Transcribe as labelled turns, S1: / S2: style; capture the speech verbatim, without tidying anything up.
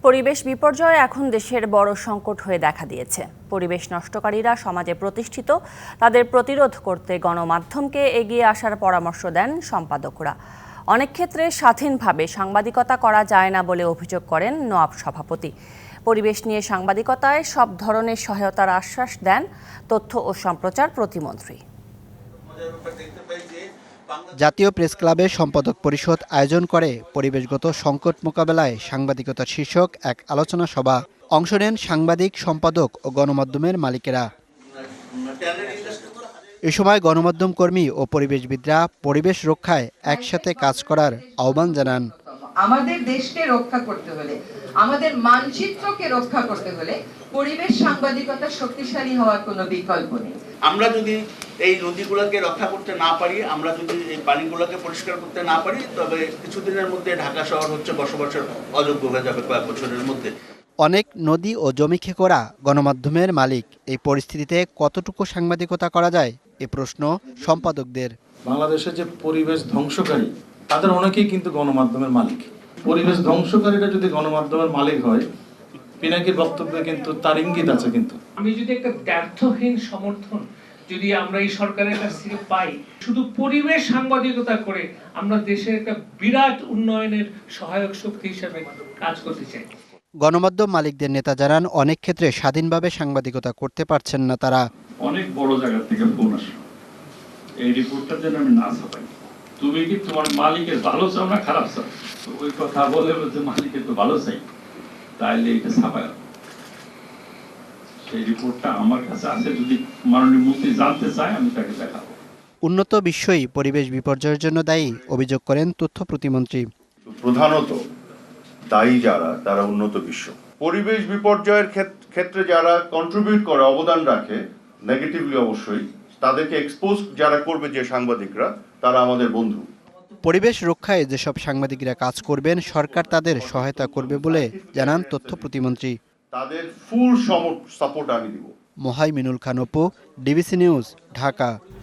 S1: পরিবেশ বিপর্যয় এখন দেশের বড় সংকট হয়ে দেখা দিয়েছে। পরিবেশ নষ্টকারীরা সমাজে প্রতিষ্ঠিত, তাদের প্রতিরোধ করতে গণমাধ্যমকে এগিয়ে আসার পরামর্শ দেন সম্পাদকরা। অনেক ক্ষেত্রে স্বাধীনভাবে সাংবাদিকতা করা যায় না বলে অভিযোগ করেন নোয়াব সভাপতি। পরিবেশ নিয়ে সাংবাদিকতায় সব ধরনের সহায়তার আশ্বাস দেন তথ্য ও সম্প্রচার প্রতিমন্ত্রী।
S2: জাতীয় প্রেস ক্লাবের সম্পাদক পরিষদ আয়োজন করে পরিবেশগত সংকট মোকাবেলায় সাংবাদিকতা শীর্ষক এক আলোচনা সভা। অংশ নেন সাংবাদিক, সম্পাদক ও গণমাধ্যমের মালিকেরা। এ সময় গণমাধ্যম কর্মী ও পরিবেশবিদরা পরিবেশ রক্ষায় একসাথে কাজ করার আহ্বান জানান।
S3: আমাদের দেশকে রক্ষা করতে হলে, আমাদের মানচিত্রকে রক্ষা করতে হলে পরিবেশ সাংবাদিকতা শক্তিশালী হওয়ার কোনো বিকল্প নেই।
S4: আমরা যদি এই নদীগুলোকে রক্ষা করতে না পারি, আমরা যদি এই পানিগুলোকে পরিষ্কার করতে না পারি, তবে কিছুদিনের মধ্যে ঢাকা শহর হচ্ছে বসবাসের অযোগ্য হয়ে যাবে কয়েক বছরের মধ্যে।
S2: অনেক নদী ও জমি খেকোরা গণমাধ্যমের মালিক। এই পরিস্থিতিতে কতটুকু সাংবাদিকতা করা যায়, এ প্রশ্ন সম্পাদকদের।
S5: বাংলাদেশে যে পরিবেশ ধ্বংসকারী, তাদের অনেকেই কিন্তু গণমাধ্যমের মালিক। পরিবেশ ধ্বংসকারীরা যদি গণমাধ্যমের মালিক হয়, পিনাকির বক্তব্যে কিন্তু তার ইঙ্গিত আছে। কিন্তু
S6: আমি যদি একটা দ্ব্যর্থহীন সমর্থন যদি আমরা এই সরকারের কাছ থেকে পাই, শুধু পরিবেশ সাংবাদিকতা করে আমরা দেশের একটা বিরাট উন্নয়নের সহায়ক শক্তি হিসেবে কাজ করতে চাই।
S2: গণমাধ্যম মালিকদের নেতা জানান, অনেক ক্ষেত্রে স্বাধীনভাবে সাংবাদিকতা করতে পারছেন না তারা।
S7: অনেক বড় জায়গা থেকে ফোন আসে, এই রিপোর্টটার জন্য আমি না ছাপাই। তুমি কি তোমার মালিকের ভালো চাও না খারাপ চাও? ওই কথা বলে যে মালিকের তো ভালো চাই, তাইলে এটা ছাপায়। সেই রিপোর্টটা আমার কাছে আছে, যদি মাননীয় মন্ত্রী জানতে চায় আমি তাকে দেখাবো।
S2: উন্নত বিশ্বই পরিবেশ বিপর্যয়ের জন্য দায়ী, অভিযোগ করেন তথ্য প্রতিমন্ত্রী।
S8: প্রধানত দায়ী যারা, তারা উন্নত বিশ্ব। পরিবেশ বিপর্যয়ের ক্ষেত্রে যারা কন্ট্রিবিউট করে, অবদান রাখে নেগেটিভলি, অবশ্যই তাদেরকে এক্সপোজ যারা করবে, যে সাংবাদিকরা, তারা আমাদের বন্ধু।
S2: পরিবেশ রক্ষায় যেসব সাংবাদিকরা কাজ করবেন, সরকার তাদের সহায়তা করবে বলে জানান তথ্য প্রতিমন্ত্রী।
S8: তাদের ফুল সাপোর্ট আমি দিব।
S2: Mohaiminul Khan Apu, DBC news, Dhaka.